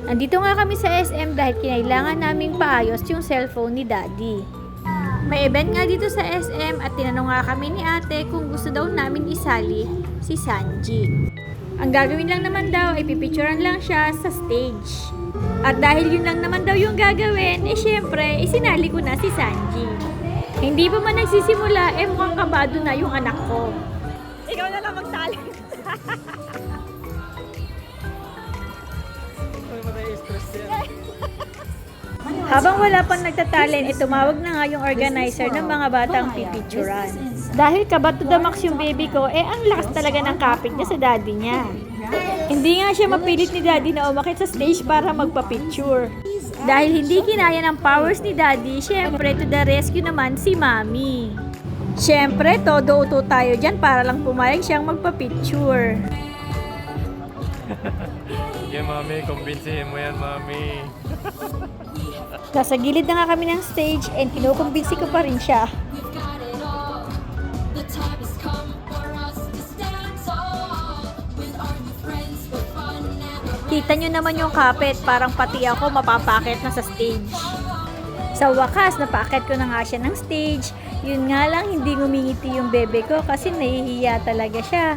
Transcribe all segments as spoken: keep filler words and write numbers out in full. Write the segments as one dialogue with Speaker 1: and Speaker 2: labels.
Speaker 1: Andito nga kami sa S M dahil kinailangan naming paayos yung cellphone ni Daddy. May event nga dito sa S M at tinanong nga kami ni ate kung gusto daw namin isali si Sanji. Ang gagawin lang naman daw ay pipicturean lang siya sa stage. At dahil yun lang naman daw yung gagawin, eh syempre, isinali ko na si Sanji. Hindi pa man nagsisimula, eh mukhang kabado na yung anak ko.
Speaker 2: Ikaw na lang magtali.
Speaker 1: Habang wala pang nagtatalent, eh tumawag na nga yung organizer ng mga batang pipicturan. Dahil kabat to the max yung baby ko, eh ang lakas talaga ng kapit niya sa daddy niya. Hindi nga siya mapilit ni daddy na umakit sa stage para magpa-picture. Dahil hindi kinaya ng powers ni daddy, syempre to the rescue naman si mami. Syempre, todo uto tayo dyan para lang pumayag siyang magpa-picture.
Speaker 3: Sige mami, kumbinsihin mo yan mami.
Speaker 1: Nasa gilid na nga kami ng stage and kinukumbinsi ko pa rin siya. Kita nyo naman yung kapit, parang pati ako mapapakit na sa stage. Sa wakas, napakit ko na nga siya ng stage. Yun nga lang, hindi ngumingiti yung bebe ko kasi nahihiya talaga siya.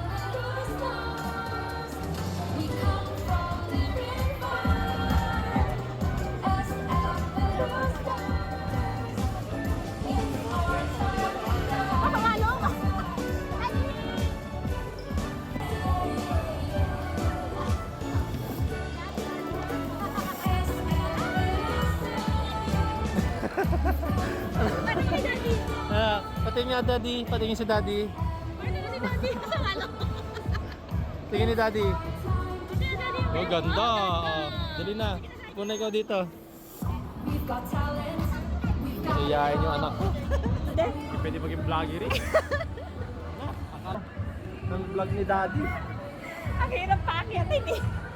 Speaker 3: Ah, patingin nga daddy, patingin si daddy. Tingin ni daddy. Oh, ganda. Ah, dali na. Punay ko dito. Iyayin yung anak ko. Pwede maging vlogger eh. Ng vlog ni daddy.
Speaker 2: Ang hirap paakyatin eh.